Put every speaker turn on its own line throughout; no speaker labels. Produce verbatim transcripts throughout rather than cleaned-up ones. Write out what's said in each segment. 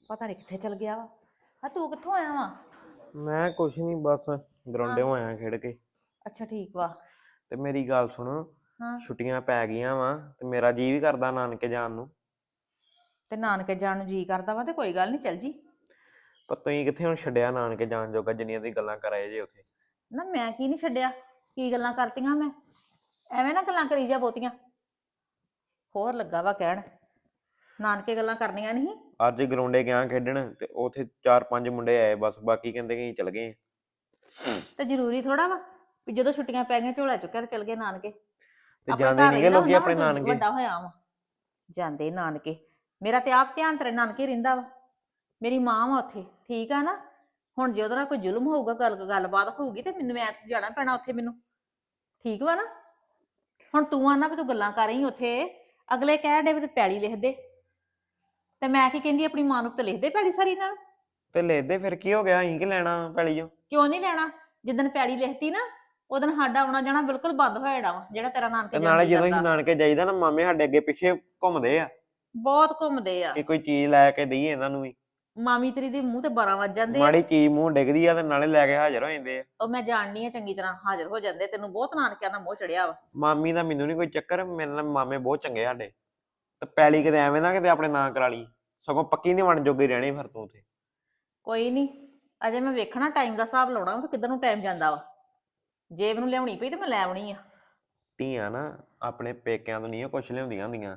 ਪਤਾ ਨਹੀਂ ਕਿੱਥੇ ਚਲ ਗਿਆ ਵਾ। ਆ ਤੂੰ ਕਿੱਥੋਂ ਆਇਆ ਵਾ?
ਮੈਂ ਕੁਛ ਨਹੀਂ ਬਸ
ਹਾਂ।
ਗਰਾਉਂਡੇ ਆਇਆ ਖੇਡ ਕੇ।
ਅੱਛਾ ਠੀਕ ਵਾ।
ਤੇ ਮੇਰੀ ਗੱਲ ਸੁਣ,
ਹਾਂ।
ਛੁੱਟੀਆਂ ਪੈ ਗਈਆਂ ਵਾ ਤੇ ਮੇਰਾ ਜੀ ਵੀ ਕਰਦਾ ਨਾਨਕੇ ਜਾਣ ਨੂੰ।
ਤੇ ਨਾਨਕੇ ਜਾਣ ਨੂੰ ਜੀ ਕਰਦਾ ਵਾ ਤੇ ਕੋਈ ਗੱਲ ਨਹੀਂ, ਚੱਲ ਜੀ।
ਪਰ ਤੁਸੀਂ ਕਿੱਥੇ ਹੁਣ ਛੱਡਿਆ ਨਾਨਕੇ ਜਾਣ ਜੋਗਾ, ਜਿੰਨੀਆਂ ਦੀ ਗੱਲਾਂ ਕਰਾਏ ਜੇ ਉੱਥੇ।
ਨਾ ਮੈਂ ਕੀ ਨਹੀਂ ਛੱਡਿਆ, ਕੀ ਗੱਲਾਂ ਕਰਤੀਆਂ ਮੈਂ? ਐਵੇਂ ਨਾ ਗੱਲਾਂ ਕਰੀ ਜਾ ਬਹੁਤੀਆਂ। ਹੋਰ ਲੱਗਾ ਵਾ ਕਹਿਣ ਨਾਨਕੇ ਗੱਲਾਂ ਕਰਨੀਆਂ ਨਹੀਂ।
ਅੱਜ ਗਰਾਉਂਡੇ ਗਿਆ ਖੇਡਣ ਤੇ ਉੱਥੇ ਚਾਰ ਪੰਜ ਮੁੰਡੇ ਆਏ ਬਸ, ਬਾਕੀ ਕਹਿੰਦੇ ਕਿ ਅਸੀਂ ਚਲ ਗਏ।
ਤੇ ਜ਼ਰੂਰੀ ਥੋੜਾ ਵਾ ਵੀ ਜਦੋਂ ਛੁੱਟੀਆਂ ਪੈ ਗਈਆਂ ਝੋਲਾ ਚੁੱਕਿਆ ਤੇ ਚਲ ਗਏ ਨਾਨਕੇ।
ਤੇ
ਆਪਣੇ
ਜਾਂਦੇ
ਘਰ
ਨਹੀਂਗੇ
ਰਹਿੰਦਾ
ਲੋਕੀ
ਹੁੰਦਾ,
ਆਪਣੇ
ਹੁਣ ਤੂੰ
ਨਾਨਕੇ।
ਵੱਡਾ ਹੋਇਆ ਵਾ। ਜਾਂਦੇ ਨਾਨਕੇ, ਮੇਰਾ ਤੇ ਆਪ ਧਿਆਨ ਤੇਰੇ ਨਾਨਕੇ ਰਹਿੰਦਾ ਵਾ। ਮੇਰੀ ਮਾਂ ਵਾ ਉੱਥੇ, ਠੀਕ ਆ ਨਾ। ਹੁਣ ਜੇ ਉਹਦੇ ਨਾਲ ਕੋਈ ਜ਼ੁਲਮ ਹੋਊਗਾ, ਗੱਲ ਗੱਲਬਾਤ ਹੋਊਗੀ ਤੇ ਮੈਨੂੰ ਮੈਂ ਜਾਣਾ ਪੈਣਾ ਉੱਥੇ ਮੈਨੂੰ, ਠੀਕ ਵਾ ਨਾ। ਹੁਣ ਤੂੰ ਆਨਾ ਵੀ ਤੂੰ ਗੱਲਾਂ ਕਰ ਰਹੀ ਉੱਥੇ, ਅਗਲੇ ਕਹਿਣ ਡੇ ਵੀ ਤੇ ਪੈਲੀ ਲਿਖ ਦੇ, ਤੇ ਮੈਂ ਕੀ ਕਹਿੰਦੀ ਆਪਣੀ ਮਾਂ ਨੂੰ ਤੇ ਲਿਖ ਦੇ ਪੈਲੀ ਸਾਰੀ ਨਾਲ।
ਤੇ ਲੈਦੇ ਫਿਰ ਕੀ ਹੋ ਗਿਆ, ਅਸੀਂ ਕੀ ਲੈਣਾ ਪੈਲੀ ਚੋਂ?
ਕਿਉਂ ਨਹੀਂ ਲੈਣਾ? ਜਿੱਦਣ ਪੈਲੀ ਲਿਖਤੀ ਨਾ ਉਦੋਂ ਸਾਡਾ ਆਉਣਾ ਜਾਣਾ ਬਿਲਕੁਲ ਬੰਦ ਹੋ ਜਾਣਾ ਵਾ, ਜਿਹੜਾ ਤੇਰਾ ਨਾਨਕੇ
ਤੇ
ਜਾਣ
ਨਾਲੇ
ਜੀ
ਜਦੋਂ ਅਸੀਂ
ਕਰਦਾ।
ਨਾਨਕੇ ਜਾਈਦਾ ਨਾ, ਮਾਮੇ ਸਾਡੇ ਅੱਗੇ ਪਿੱਛੇ ਘੁੰਮਦੇ ਆ
ਬਹੁਤ ਘੁੰਮਦੇ ਆ।
ਕਿ ਕੋਈ ਚੀਜ਼ ਲੈ ਕੇ ਦਈਏ ਇਹਨਾਂ ਨੂੰ ਵੀ।
ਮਾਮੀ ਤੇਰੀ ਦੇ ਮੂੰਹ ਤੇ ਬਾਰਾਂ ਵੱਜ ਜਾਂਦੇ ਆ।
ਮਾੜੀ ਚੀਜ਼ ਮੂੰਹ ਡਿੱਗਦੀ ਆ ਤੇ ਨਾਲੇ ਲੈ ਕੇ ਹਾਜ਼ਰ ਹੋ ਜਾਂਦੇ ਆ।
ਉਹ ਮੈਂ ਜਾਣਨੀ ਆ ਚੰਗੀ ਤਰ੍ਹਾਂ, ਹਾਜ਼ਰ ਹੋ ਜਾਂਦੇ। ਤੈਨੂੰ ਬਹੁਤ ਨਾਨਕਿਆਂ ਦਾ ਮੋਹ ਚੜਿਆ ਵਾ।
ਮਾਮੀ ਦਾ ਮੈਨੂੰ ਨੀ ਕੋਈ ਚੱਕਰ, ਮੇਰੇ ਨਾਲ ਮਾਮੇ ਬਹੁਤ ਚੰਗੇ ਸਾਡੇ। ਤੇ ਪੈਲੀ ਕਿਤੇ ਐਵੇਂ ਨਾ ਕਿਤੇ ਆਪਣੇ ਨਾਂ ਕਰਾ ਲਈ, ਸਗੋਂ ਪੱਕੀ ਨੀ ਬਣ ਜੋਗੀ ਰਹਿਣੀ ਫਿਰ ਤੂੰ ਉੱਥੇ।
ਕੋਈ ਨਹੀਂ, ਅਜੇ ਮੈਂ ਵੇਖਣਾ ਟਾਈਮ ਦਾ ਹਿਸਾਬ ਲਾਉਣਾ ਤੇ ਕਿੱਧਰ ਨੂੰ ਟਾਈਮ ਜਾਂਦਾ ਵਾ। ਜੇਬ ਨੂੰ ਲਿਆਉਣੀ ਪਈ ਤੇ ਮੈਂ ਲੈ ਆਉਣੀ ਆ।
ਧੀਆਂ ਨਾ ਆਪਣੇ ਪੇਕਿਆਂ ਤੋਂ ਨਹੀਂ ਕੁਛ ਲਿਆਉਂਦੀਆਂ ਹੁੰਦੀਆਂ।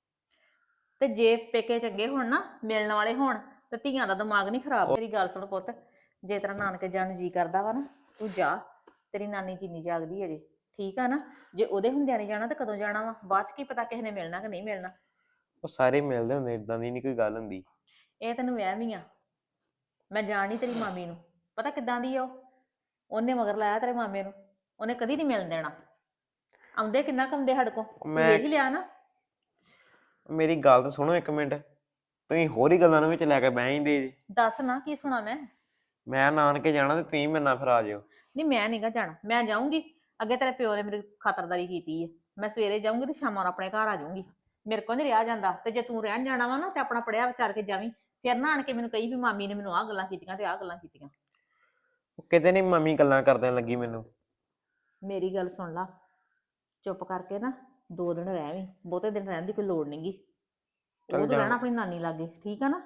ਤੇ ਜੇ ਪੇਕੇ ਚੰਗੇ ਹੋਣ ਨਾ, ਮਿਲਣ ਵਾਲੇ ਹੋਣ, ਤੇ ਧੀਆਂ ਦਾ ਦਿਮਾਗ ਨਹੀਂ ਖਰਾਬ। ਮੇਰੀ ਗੱਲ ਸੁਣ ਪੁੱਤ, ਜੇ ਤੇਰਾ ਨਾਨਕੇ ਜਾਣ ਨੂੰ ਜੀ ਕਰਦਾ ਵਾ ਨਾ, ਤੂੰ ਜਾ। ਤੇਰੀ ਨਾਨੀ ਚੀਨੀ ਜਾਗਦੀ ਅਜੇ, ਠੀਕ ਆ ਨਾ। ਜੇ ਉਹਦੇ ਹੁੰਦਿਆਂ ਨਹੀਂ ਜਾਣਾ ਤਾਂ ਕਦੋਂ ਜਾਣਾ ਵਾ? ਬਾਅਦ ਚ ਕੀ ਪਤਾ ਕਿਸੇ ਨੇ ਮਿਲਣਾ ਕਿ ਨਹੀਂ ਮਿਲਣਾ।
ਉਹ ਸਾਰੇ ਮਿਲਦੇ ਹੁੰਦੇ, ਏਦਾਂ ਦੀ ਨੀ ਕੋਈ ਗੱਲ ਹੁੰਦੀ।
ਇਹ ਤੈਨੂੰ ਵਹਿਮ ਹੀ ਆ। ਮੈਂ ਜਾਣੀ ਤੇਰੀ ਮਾਮੀ ਨੂੰ, ਪਤਾ ਕਿੱਦਾਂ ਦੀ ਆ ਉਹ। ਉਹਨੇ ਮਗਰ ਲਾਇਆ ਤੇਰੇ ਮਾਮੇ ਨੂੰ, ਉਹਨੇ ਕਦੀ ਨਹੀਂ ਮਿਲਣ ਦੇਣਾ। ਆਉਂਦੇ ਕਿੰਨਾ ਕੁ ਆਉਂਦੇ ਸਾਡੇ ਕੋਲ, ਤੂੰ
ਮੈਂ
ਵੇਖ ਹੀ ਲਿਆ ਨਾ।
ਮੇਰੀ ਗੱਲ ਤਾਂ ਸੁਣੋ ਇੱਕ ਮਿੰਟ, ਤੁਸੀਂ ਹੋਰ ਹੀ ਗੱਲਾਂ ਨੂੰ ਵਿੱਚ ਲੈ ਕੇ ਬਹਿ ਜਾਂਦੇ ਜੀ।
ਦੱਸ ਨਾ ਕੀ ਸੁਣਾ ਮੈਂ।
ਮੈਂ ਨਾਨਕੇ ਜਾਣਾ ਤੇ ਤੁਸੀਂ ਮੇਰੇ ਨਾਲ ਫਿਰ ਆ ਜਿਓ।
ਨਹੀਂ ਮੈਂ ਨੀ ਗਾ ਜਾਣਾ, ਮੈਂ ਜਾਊਂਗੀ। ਅੱਗੇ ਤੇਰੇ ਪਿਓ ਨੇ ਮੇਰੀ ਖਾਤਰਦਾਰੀ ਕੀਤੀ ਹੈ। ਮੈਂ ਸਵੇਰੇ ਜਾਊਂਗੀ ਤੇ ਸ਼ਾਮਾਂ ਨੂੰ ਆਪਣੇ ਘਰ ਆ ਜਾਊਂਗੀ। ਮੇਰੇ ਕੋਲ ਨਹੀਂ ਰਿਹਾ ਜਾਂਦਾ। ਤੇ ਜੇ ਤੂੰ ਰਹਿਣ ਜਾਣਾ ਵਾ ਨਾ ਤੇ ਆਪਣਾ ਪੜਿਆ ਵਿਚਾਰ ਕੇ ਜਾਵੀਂ। ਫਿਰ ਨਾ ਆਣ ਕੇ ਮੈਨੂੰ ਕਹੀ ਵੀ ਮਾਮੀ ਨੇ ਮੈਨੂੰ ਆਹ ਗੱਲਾਂ ਕੀਤੀਆਂ ਤੇ ਆਹ ਗੱਲਾਂ ਕੀਤੀਆਂ।
ਕਿਤੇ ਨੀ ਮੰਮੀ ਗੱਲਾਂ ਕਰਦਿਆਂ ਲੱਗੀ ਮੈਨੂੰ।
ਮੇਰੀ ਗੱਲ ਸੁਣ ਲਾ, ਚੁੱਪ ਕਰਕੇ ਨਾ ਦੋ ਦਿਨ ਰਹਿ ਵੀ, ਬਹੁਤੇ ਦਿਨ ਰਹਿਣ ਦੀ ਕੋਈ ਲੋੜ ਨਹੀਂਗੀ। ਉਹ
ਚੱਲ
ਤੂੰ
ਜਾ,
ਰਹਿਣਾ ਆਪਣੀ ਨਾਨੀ ਲਾਗੇ, ਠੀਕ ਆ ਨਾ।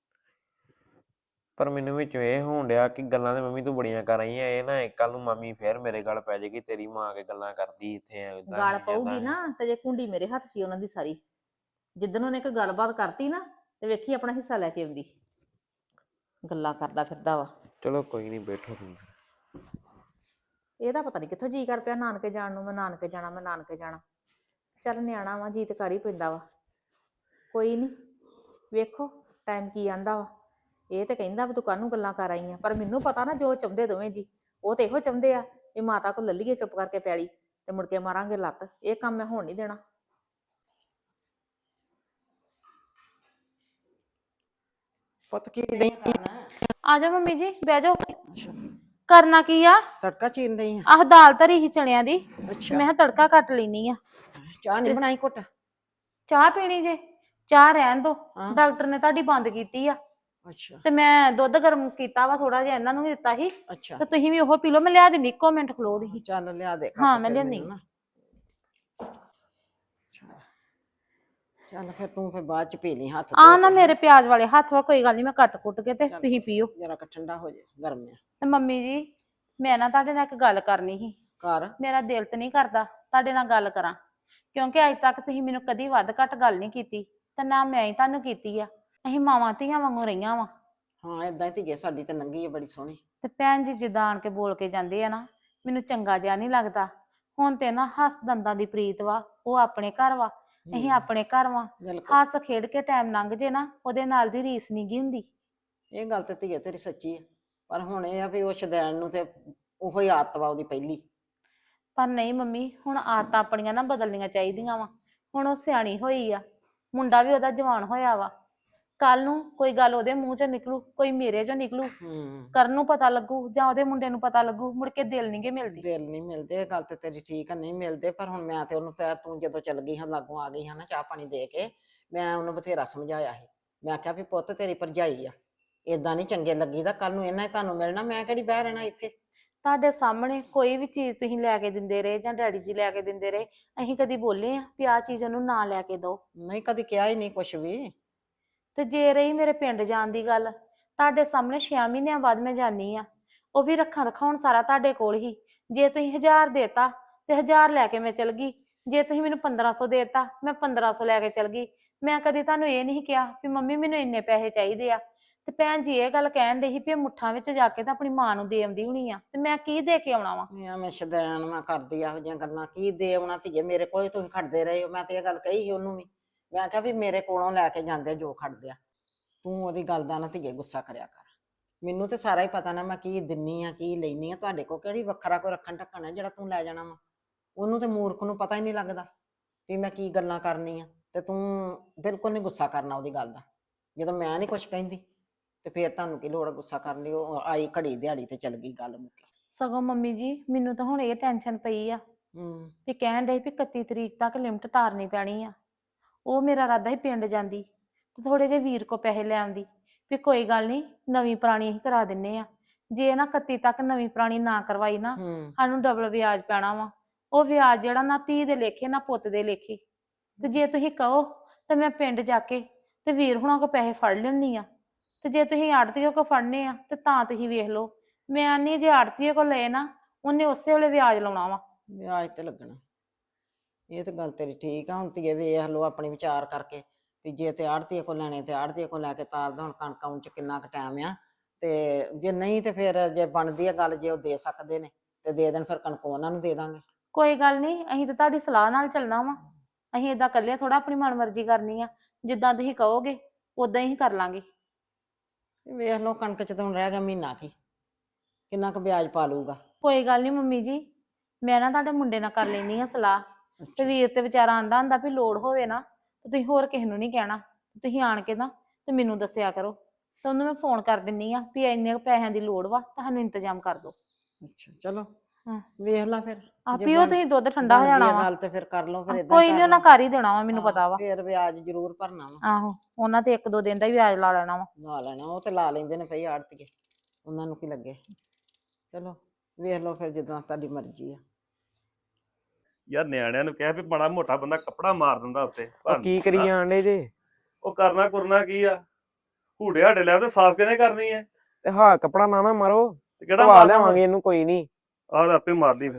ਪਰ ਮੈਨੂੰ ਵਿੱਚ ਇਹ ਹੋਣ ਡਿਆ ਕਿ ਗੱਲਾਂ ਤੇ ਮੰਮੀ ਤੂੰ ਬੜੀਆਂ ਕਰ ਰਹੀਆਂ, ਇਹ ਨਾ ਕੱਲ ਨੂੰ ਮਾਮੀ ਫੇਰ ਮੇਰੇ ਗੱਲ ਪੈ ਜਾਏਗੀ, ਤੇਰੀ ਮਾਂ ਆ ਕੇ ਗੱਲਾਂ ਕਰਦੀ ਇੱਥੇ ਏਦਾਂ
ਗਾਲ
ਸੀ ਏਦਾਂ
ਪਊਗੀ
ਸੀ।
ਨਾ ਤੇ ਜੇ ਕੁੰਡੀ ਮੇਰੇ ਹੱਥ ਸੀ ਉਹਨਾਂ ਦੀ ਸਾਰੀ, ਜਿੱਦਣ ਉਹਨੇ ਕੋਈ ਗੱਲਬਾਤ ਕਰਤੀ ਨਾ ਤੇ ਵੇਖੀ ਆਪਣਾ ਹਿੱਸਾ ਲੈ ਕੇ ਆਉਂਦੀ। ਗੱਲਾਂ ਕਰਦਾ ਫਿਰਦਾ ਵਾ।
ਚਲੋ ਕੋਈ ਨੀ, ਬੈਠੋ ਤੁਸੀਂ।
ਇਹਦਾ ਪਤਾ ਨਹੀਂ ਕਿੱਥੋਂ ਜੀ ਕਰ ਪਿਆ ਨਾਨਕੇ ਜਾਣ ਨੂੰ। ਮੈਂ ਨਾਨਕੇ ਜਾਣਾ, ਮੈਂ ਨਾਨਕੇ ਜਾਣਾ। ਚੱਲ ਨਿਆਣਾ ਵਾ, ਜੀ ਤੇ ਕਰ ਹੀ ਪੈਂਦਾ ਵਾ। ਕੋਈ ਨਹੀਂ, ਵੇਖੋ ਟਾਈਮ ਕੀ ਆਂਦਾ ਵਾ। ਇਹ ਤੇ ਕਹਿੰਦਾ ਵੀ ਤੂੰ ਕਾਹਨੂੰ ਗੱਲਾਂ ਕਰ ਆਈ ਆ, ਪਰ ਮੈਨੂੰ ਪਤਾ ਨਾ ਜੋ ਚਾਹੁੰਦੇ ਦੋਵੇਂ ਜੀ। ਉਹ ਤੇ ਇਹੋ ਚਾਹੁੰਦੇ ਆ ਵੀ ਮਾਤਾ ਕੋਲ ਲੱਲੀਏ ਚੁੱਪ ਕਰਕੇ ਪੈਲੀ, ਤੇ ਮੁੜ ਕੇ ਮਾਰਾਂਗੇ ਲੱਤ। ਇਹ ਕੰਮ ਮੈਂ ਹੋਣ ਨਹੀਂ ਦੇਣਾ।
ਪੁੱਤ ਕੀ ਨਹੀਂ
ਆ ਜਾਓ ਮੰਮੀ ਜੀ, ਬਹਿ ਜਾਓ।
ਅੱਛਾ,
ਕਰਨਾ ਕੀ ਆ?
ਤੜਕਾ ਚੀਨ ਦਈ ਆ।
ਆਹ ਦਾਲ ਧਰੀ ਸੀ ਚਣਿਆਂ ਦੀ,
ਅੱਛਾ,
ਮੈਂ ਕਿਹਾ ਤੜਕਾ ਕੱਟ ਲੈਣੀ ਆ।
ਚਾਹ ਨਹੀਂ ਬਣਾਈ ਘੁੱਟ?
ਚਾਹ ਪੀਣੀ ਜੇ? ਚਾਹ ਰਹਿਣ ਦੋ,
ਹਾਂ,
ਡਾਕਟਰ ਨੇ ਤੁਹਾਡੀ ਬੰਦ ਕੀਤੀ ਆ।
ਅੱਛਾ
ਤੇ ਮੈਂ ਦੁੱਧ ਗਰਮ ਕੀਤਾ ਵਾ ਥੋੜਾ ਜਿਹਾ, ਇਹਨਾਂ ਨੂੰ ਵੀ ਦਿੱਤਾ ਸੀ।
ਅੱਛਾ,
ਤੇ ਤੁਸੀਂ ਵੀ ਉਹ ਪੀ ਲਓ, ਮੈਂ ਲਿਆ ਦਿੰਦੀ, ਇੱਕੋ ਮਿੰਟ ਖਲੋ ਦੀ।
ਚੱਲ ਲਿਆ ਦੇ
ਹਾਂ
ਕੱਪ
ਮੈਂ
ਫਿਰ
ਲਿਆਂਦੀ।
ਮੈਨੂੰ ਨਾ। ਚੱਲ ਫਿਰ ਤੂੰ ਫਿਰ ਬਾਅਦ ਚ ਪੀ ਲਈ ਹੱਥ ਧੋ
ਆ ਨਾ
ਕੇ।
ਮੇਰੇ ਪਿਆਜ਼ ਵਾਲੇ ਹੱਥ ਵਾ, ਕੋਈ ਗੱਲ ਨਹੀਂ, ਮੈਂ ਕੱਟ ਕੁੱਟ ਕੇ ਤੇ
ਚੱਲ
ਤੁਸੀਂ ਪੀਓ।
ਜਰਾ ਕ ਠੰਡਾ ਹੋ ਜਾਏ, ਗਰਮ ਆ।
ਤੇ ਮੰਮੀ ਜੀ, ਮੈਂ ਨਾ ਤੁਹਾਡੇ ਨਾਲ ਇੱਕ ਗੱਲ ਕਰਨੀ ਸੀ।
ਘਰ
ਮੇਰਾ ਦਿਲ ਤੇ ਨਹੀਂ ਕਰਦਾ ਤੁਹਾਡੇ ਨਾਲ ਗੱਲ ਕਰਾਂ, ਕਿਉਂਕਿ ਅੱਜ ਤੱਕ ਤੁਸੀਂ ਮੈਨੂੰ ਕਦੀ ਵੱਧ ਘੱਟ ਗੱਲ ਨਹੀਂ ਕੀਤੀ, ਤੇ ਨਾ ਮੈਂ ਹੀ ਤੁਹਾਨੂੰ ਕੀਤੀ ਆ। ਅਸੀਂ ਮਾਵਾਂ ਧੀਆਂ ਵਾਂਗੂ ਰਹੀਆਂ ਵਾ।
ਹਾਂ, ਏਦਾਂ ਹੀ ਧੀਏ ਸਾਡੀ ਤੇ ਨੰਗੀ ਆ ਬੜੀ ਸੋਹਣੀ।
ਤੇ ਭੈਣ ਜੀ ਜਿੱਦਾਂ ਆਣ ਕੇ ਬੋਲ ਕੇ ਜਾਂਦੇ ਆ ਨਾ, ਮੈਨੂੰ ਚੰਗਾ ਜਿਹਾ ਨਹੀਂ ਲੱਗਦਾ। ਹੁਣ ਤੇ ਨਾ ਹੱਸ ਦੰਦਾਂ ਦੀ ਪ੍ਰੀਤ ਵਾ, ਉਹ ਆਪਣੇ ਘਰ ਵਾ, ਅਸੀਂ ਆਪਣੇ ਘਰ ਵਾ।
ਬਿਲਕੁਲ,
ਹੱਸ ਖੇਡ ਕੇ ਟਾਈਮ ਲੰਘ ਜੇ ਨਾ, ਉਹਦੇ ਨਾਲ ਦੀ ਰੀਸ ਨਹੀਂ ਗੀ ਹੁੰਦੀ।
ਇਹ ਗੱਲ ਤੇ ਧੀਏ ਤੇਰੀ ਸੱਚੀ ਆ। ਪਰ ਹੁਣ ਇਹ ਆ ਵੀ ਉਹ ਸ਼ਦੈਣ ਨੂੰ ਤੇ ਉਹੋ ਹੀ ਆਦਤ ਵਾ ਉਹਦੀ ਪਹਿਲੀ।
ਪਰ ਨਹੀਂ ਮੰਮੀ, ਹੁਣ ਆਦਤਾਂ ਆਪਣੀਆਂ ਨਾ ਬਦਲਣੀਆਂ ਚਾਹੀਦੀਆਂ ਵਾ। ਹੁਣ ਉਹ ਸਿਆਣੀ ਹੋਈ ਆ, ਮੁੰਡਾ ਵੀ ਉਹਦਾ ਜਵਾਨ ਹੋਇਆ ਵਾ। ਕੱਲ ਨੂੰ ਕੋਈ ਗੱਲ ਉਹਦੇ ਮੂੰਹ ਚੋਂ ਨਿਕਲੂ, ਕੋਈ ਮੇਰੇ ਚੋਂ ਨਿਕਲੂ,
ਹੂੰ,
ਕਰਨ ਨੂੰ ਪਤਾ ਲੱਗੂ ਜਾਂ ਉਹਦੇ ਮੁੰਡੇ ਨੂੰ ਪਤਾ ਲੱਗੂ, ਮੁੜ ਕੇ ਦਿਲ ਨੀ ਗੇ ਮਿਲਦੀ।
ਦਿਲ ਨਹੀਂ ਮਿਲਦੇ, ਇਹ ਗੱਲ ਤੇ ਤੇਰੀ ਠੀਕ ਆ, ਨਹੀਂ ਮਿਲਦੇ। ਪਰ ਹੁਣ ਮੈਂ ਤੇ ਉਹਨੂੰ ਫਿਰ ਤੂੰ ਜਦੋਂ ਚੱਲ ਗਈ ਹਾਂ ਲਾਗੋਂ ਆ ਗਈ ਹਾਂ ਨਾ ਚਾਹ ਪਾਣੀ ਦੇ ਕੇ, ਮੈਂ ਉਹਨੂੰ ਬਥੇਰਾ ਸਮਝਾਇਆ ਸੀ। ਮੈਂ ਕਿਹਾ ਵੀ ਪੁੱਤ ਤੇਰੀ ਭਰਜਾਈ ਆ, ਏਦਾਂ ਨਹੀਂ ਚੰਗੇ ਲੱਗੀਦਾ, ਕੱਲ ਨੂੰ ਇਹਨਾਂ ਹੀ ਤੁਹਾਨੂੰ ਮਿਲਣਾ, ਮੈਂ ਕਿਹੜੀ ਬਹਿ ਰਹਿਣਾ ਇੱਥੇ।
ਤੁਹਾਡੇ ਸਾਹਮਣੇ ਕੋਈ ਵੀ ਚੀਜ਼ ਤੁਸੀਂ ਲੈ ਕੇ ਦਿੰਦੇ ਰਹੇ ਜਾਂ ਡੈਡੀ ਜੀ ਲੈ ਕੇ ਦਿੰਦੇ ਰਹੇ, ਅਸੀਂ ਕਦੀ ਬੋਲੇ ਆ ਵੀ ਆਹ ਚੀਜ਼ ਉਹਨੂੰ ਨਾ ਲੈ ਕੇ ਦਿਓ?
ਨਹੀਂ ਕਦੀ ਕਿਹਾ ਹੀ ਨਹੀਂ ਕੁਛ ਵੀ।
ਤੇ ਜੇ ਰਹੀ ਮੇਰੇ ਪਿੰਡ ਜਾਣ ਦੀ ਗੱਲ, ਤੁਹਾਡੇ ਸਾਹਮਣੇ ਛੇ ਮਹੀਨਿਆਂ ਬਾਅਦ ਮੈਂ ਜਾਨੀ ਆ, ਉਹ ਵੀ ਰੱਖਾਂ ਰਖਾਉਣ ਸਾਰਾ ਤੁਹਾਡੇ ਕੋਲ ਹੀ। ਜੇ ਤੁਸੀਂ ਹਜ਼ਾਰ ਦੇਤਾ ਤੇ ਹਜ਼ਾਰ ਲੈ ਕੇ ਮੈਂ ਚਲ ਗਈ, ਜੇ ਤੁਸੀਂ ਮੈਨੂੰ ਪੰਦਰਾਂ ਸੌ ਦੇਤਾ ਮੈਂ ਪੰਦਰਾਂ ਸੌ ਲੈ ਕੇ ਚਲ ਗਈ। ਮੈਂ ਕਦੀ ਤੁਹਾਨੂੰ ਇਹ ਨਹੀਂ ਕਿਹਾ ਵੀ ਮੰਮੀ ਮੈਨੂੰ ਇੰਨੇ ਪੈਸੇ ਚਾਹੀਦੇ ਆ। ਤੇ ਭੈਣ ਜੀ ਇਹ ਗੱਲ ਕਹਿਣ ਡਈ ਸੀ ਵੀ ਇਹ ਮੁੱਠਾਂ ਵਿੱਚ ਜਾ ਕੇ ਤਾਂ ਆਪਣੀ ਮਾਂ ਨੂੰ ਦੇ ਆਉਂਦੀ ਹੋਣੀ ਆ, ਤੇ ਮੈਂ ਕੀ ਦੇ ਕੇ ਆਉਣਾ ਵਾ?
ਮੈਂ ਮੈਂ ਸ਼ਦੈਨ ਮੈਂ ਕਰਦੀ ਇਹੋ ਜਿਹੀਆਂ ਗੱਲਾਂ, ਕੀ ਦੇ ਆਉਣਾ ਧੀਏ, ਮੇਰੇ ਕੋਲ ਹੀ ਤੁਸੀਂ ਖੜਦੇ ਰਹੇ ਹੋ। ਮੈਂ ਤੇ ਇਹ ਗੱਲ ਕਹੀ ਸੀ ਉਹਨੂੰ ਵੀ, ਮੈਂ ਕਿਹਾ ਵੀ ਮੇਰੇ ਕੋਲੋਂ ਲੈ ਕੇ ਜਾਂਦੇ ਜੋ ਖੜਦੇ ਆ, ਤੂੰ ਉਹਦੀ ਗੱਲ ਦਾ ਨਾ ਧੀਏ ਗੁੱਸਾ ਕਰਿਆ ਕਰ। ਮੈਨੂੰ ਤੇ ਸਾਰਾ ਹੀ ਪਤਾ ਨਾ ਮੈਂ ਕੀ ਦਿੰਨੀ ਆ ਕੀ ਲੈਨੀ ਆ, ਤੁਹਾਡੇ ਕੋਲ ਕਿਹੜੀ ਵੱਖਰਾ ਕੋਈ ਰੱਖਣ ਢੱਕਣ ਹੈ ਜਿਹੜਾ ਤੂੰ ਲੈ ਜਾਣਾ ਵਾ। ਉਹਨੂੰ ਤੇ ਮੂਰਖ ਨੂੰ ਪਤਾ ਹੀ ਨਹੀਂ ਲੱਗਦਾ ਵੀ ਮੈਂ ਕੀ ਗੱਲਾਂ ਕਰਨੀ ਆ, ਤੇ ਤੂੰ ਬਿਲਕੁਲ ਨਹੀਂ ਗੁੱਸਾ ਕਰਨਾ ਉਹਦੀ ਗੱਲ ਦਾ। ਜਦੋਂ ਮੈਂ ਨਹੀਂ ਕੁਛ ਕਹਿੰਦੀ ਤੇ ਫੇਰ ਤੁਹਾਨੂੰ ਕੀ ਲੋੜ ਗੁੱਸਾ ਕਰਨ ਦੀ? ਉਹ ਆਈ ਘੜੀ ਦਿਹਾੜੀ ਤੇ ਚਲ ਗਈ, ਗੱਲ ਮੁੱਕੀ।
ਸਗੋਂ ਮੰਮੀ ਜੀ ਮੈਨੂੰ ਤਾਂ ਹੁਣ ਇਹ ਟੈਨਸ਼ਨ ਪਈ ਆ
ਹੂੰ
ਵੀ ਕਹਿਣ ਡਏ ਵੀ ਇਕੱਤੀ ਤਰੀਕ ਤੱਕ ਲਿਮਟ ਤਾਰਨੀ ਪੈਣੀ ਆ। ਉਹ ਮੇਰਾ ਇਰਾਦਾ ਸੀ ਪਿੰਡ ਜਾਂਦੀ ਤੇ ਥੋੜੇ ਜਿਹੇ ਵੀਰ ਕੋ ਪੈਸੇ ਲੈ ਆਉਂਦੀ, ਵੀ ਕੋਈ ਗੱਲ ਨਹੀਂ ਨਵੀਂ ਪੁਰਾਣੀ ਅਸੀਂ ਕਰਾ ਦਿੰਨੇ ਆ। ਜੇ ਨਾ ਇਕੱਤੀ ਤੱਕ ਨਵੀਂ ਪੁਰਾਣੀ ਨਾ ਕਰਵਾਈ ਨਾ,
ਹੂੰ
ਸਾਨੂੰ ਡਬਲ ਵਿਆਜ ਪੈਣਾ ਵਾ। ਉਹ ਵਿਆਜ ਜਿਹੜਾ ਨਾ ਧੀ ਦੇ ਲੇਖੇ ਨਾ ਪੁੱਤ ਦੇ ਲੇਖੇ। ਤੇ ਜੇ ਤੁਸੀਂ ਕਹੋ ਤੇ ਮੈਂ ਪਿੰਡ ਜਾ ਕੇ ਤੇ ਵੀਰ ਹੁਣਾਂ ਕੋ ਪੈਸੇ ਫੜ ਲੈਂਦੀ ਆ, ਤੇ ਜੇ ਤੁਸੀਂ ਆੜਤੀਏ ਕੋ ਫੜਨੇ ਆ ਤੇ ਤਾਂ ਤੁਸੀਂ ਵੇਖ ਲਓ। ਮੈਂ ਨਹੀਂ, ਜੇ ਆੜਤੀਏ ਕੋ ਲਏ ਨਾ ਉਹਨੇ ਉਸੇ ਵੇਲੇ ਵਿਆਜ ਲਾਉਣਾ ਵਾ।
ਵਿਆਜ ਤੇ ਲੱਗਣਾ। ਇਹ ਤਾਂ ਗੱਲ ਤੇਰੀ ਠੀਕ ਆ। ਹੁਣ ਧੀਏ ਵੇਖ ਲਓ ਆਪਣੀ ਵਿਚਾਰ ਕਰਕੇ ਵੀ ਜੇ ਤੇ ਆੜਤੀਏ ਕੋ ਲੈਣੇ ਤੇ ਆੜਤੀਏ ਕੋ ਲੈ ਕੇ ਤਾਰਦਾ। ਹੁਣ ਕਣਕ ਆਉਣ ਚ ਕਿੰਨਾ ਕੁ ਟਾਈਮ ਆ, ਤੇ ਜੇ ਨਹੀਂ ਤੇ ਫਿਰ ਜੇ ਬਣਦੀ ਆ ਗੱਲ, ਜੇ ਉਹ ਦੇ ਸਕਦੇ ਨੇ ਤੇ ਦੇ ਦੇਣ, ਫਿਰ ਕਣਕ ਉਹਨਾਂ ਨੂੰ ਦੇ ਦਾਂਗੇ।
ਕੋਈ ਗੱਲ ਨਹੀਂ, ਅਸੀਂ ਤਾਂ ਤੁਹਾਡੀ ਸਲਾਹ ਨਾਲ ਚੱਲਣਾ ਵਾ। ਅਸੀਂ ਏਦਾਂ ਇਕੱਲੇ ਥੋੜਾ ਆਪਣੀ ਮਨਮਰਜ਼ੀ ਕਰਨੀ ਆ। ਜਿੱਦਾਂ ਤੁਸੀਂ ਕਹੋਗੇ ਉਦਾਂ ਹੀ ਕਰ ਲਾਂਗੇ।
ਵੇਖ ਲਓ ਕਣਕ ਚ ਤਾਂ ਹੁਣ ਰਹਿ ਗਿਆ ਮਹੀਨਾ ਕੀ, ਕਿੰਨਾ ਕੁ ਵਿਆਜ ਪਾ ਲੂਗਾ।
ਕੋਈ ਗੱਲ ਨਹੀਂ ਮੰਮੀ ਜੀ, ਮੈਂ ਨਾ ਤੁਹਾਡੇ ਮੁੰਡੇ ਨਾਲ ਕਰ ਲੈਣੀ ਆ ਸਲਾਹ। ਤੇ ਵੀਰ ਤੇ ਵਿਚਾਰਾ ਆਂਦਾ ਹੁੰਦਾ ਵੀ ਲੋੜ ਹੋਵੇ ਨਾ ਤੇ ਤੁਸੀਂ ਹੋਰ ਕਿਸੇ ਨੂੰ ਨਹੀਂ ਕਹਿਣਾ, ਤੁਸੀਂ ਆਣ ਕੇ ਨਾ ਤੇ ਮੈਨੂੰ ਦੱਸਿਆ ਕਰੋ। ਤੇ ਉਹਨੂੰ ਮੈਂ ਫੋਨ ਕਰ ਦਿੰਨੀ ਆ ਵੀ ਇੰਨੇ ਕੁ ਪੈਸਿਆਂ ਦੀ ਲੋੜ ਵਾ, ਤੁਹਾਨੂੰ ਇੰਤਜ਼ਾਮ ਕਰ ਦਿਓ।
ਅੱਛਾ ਚਲੋ
ਹਾਂ
ਵੇਖ ਲਾ ਫਿਰ।
ਆ
ਜੇ
ਪੀਓ
ਬਣ-
ਤੁਸੀਂ ਦੁੱਧ, ਠੰਡਾ ਹੋ
ਬਣਦੀ
ਜਾਣਾ
ਆ
ਵਾ।
ਗੱਲ ਤੇ ਫਿਰ ਕਰ ਲਓ, ਫਿਰ
ਆਹ,
ਏਦਾਂ
ਕੋਈ
ਹੀ
ਨਹੀਂ
ਕਰ
ਉਹਨਾਂ
ਲਓ।
ਕਰ ਹੀ ਦੇਣਾ ਵਾ, ਮੈਨੂੰ
ਹਾਂ,
ਪਤਾ ਵਾ।
ਫਿਰ ਵਿਆਜ ਜ਼ਰੂਰ ਭਰਨਾ ਵਾ।
ਆਹੋ ਉਹਨਾਂ ਤੇ ਇੱਕ ਦੋ ਦਿਨ ਦਾ ਹੀ ਵਿਆਜ ਲਾ ਲੈਣਾ ਵਾ।
ਲਾ ਲੈਣਾ, ਉਹ ਤੇ ਲਾ ਲੈਂਦੇ ਨੇ ਪਈ ਆੜਤੀਏ, ਉਹਨਾਂ ਨੂੰ ਕੀ ਲੱਗੇ। ਚਲੋ ਵੇਖ ਲਓ ਫਿਰ, ਜਿੱਦਾਂ ਤੁਹਾਡੀ ਮਰਜ਼ੀ ਆ।
ਯਾਰ ਨਿਆਣਿਆਂ ਨੂੰ ਕਹਿ ਵੀ ਬੜਾ ਮੋਟਾ ਬੰਦਾ ਕੱਪੜਾ ਮਾਰ ਦਿੰਦਾ ਉੱਤੇ।
ਉਹ ਕੀ ਕਰੀ ਜਾਂਦੇ ਜੇ?
ਉਹ ਕਰਨਾ ਕੁਰਨਾ ਕੀ ਆ? ਹੂੜੇ ਹਾੜੇ ਲੈ ਤੇ ਸਾਫ਼ ਕਿਹਨੇ ਕਰਨੀ ਐ?
ਤੇ ਹਾਂ ਕੱਪੜਾ ਨਾ ਨਾ ਮਾਰੋ,
ਤੇ ਕਿਹੜਾ
ਧਵਾ
ਮਾਰਨਾ
ਲਿਆਵਾਂਗੇ ਇਹਨੂੰ, ਕੋਈ ਨਹੀਂ।
ਆਹ ਆਪੇ ਮਾਰ ਲਈ ਫਿਰ।